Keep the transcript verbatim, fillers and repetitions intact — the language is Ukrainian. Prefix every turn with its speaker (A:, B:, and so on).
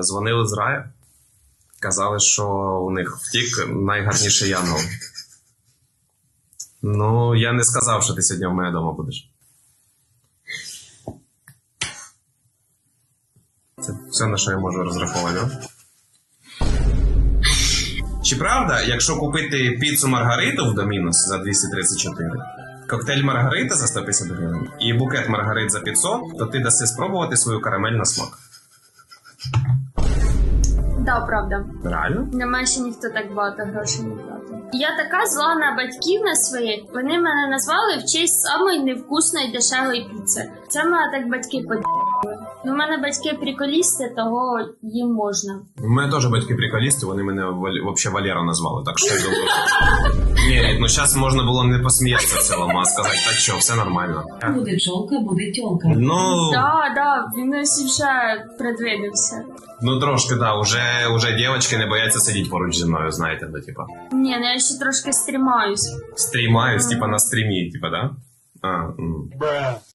A: дзвонили з раю. Казали, що у них втік найгарніший янгол. Ну, я не сказав, що ти сьогодні в мене вдома будеш. Це все, на що я можу розраховувати. Чи правда, якщо купити піцу Маргариту в Домінос за двісті тридцять чотири, коктейль Маргарита за сто п'ятдесят гривень і букет Маргарит за п'ятсот, то ти даси спробувати свою карамель на смак?
B: Да, правда.
A: Реально?
B: Нема ще ніхто так багато грошей не платить. Я така зла на батьків на своїх. Вони мене назвали в честь самої невкусної дешевої піци. Це мене так батьки поділи. Ну, в мене батьки приколісти, того їм можна.
A: У мене теж батьки приколісти, вони мене взагалі Валера назвали, так що я думаю... Ні, ну зараз можна було не посміятися в цілому, а сказати, так що, все нормально.
C: Буде чолка, буде тьолка.
A: Ну...
B: Да, да, він ось вже предвидився.
A: Ну трошки, да, уже, уже дівчатки не бояться сидіти поруч зі мною, знаєте, да, типа.
B: Ні, ну я ще трошки стрімаюсь.
A: Стрімаюсь, типа на стрімі, типа, да? А, м.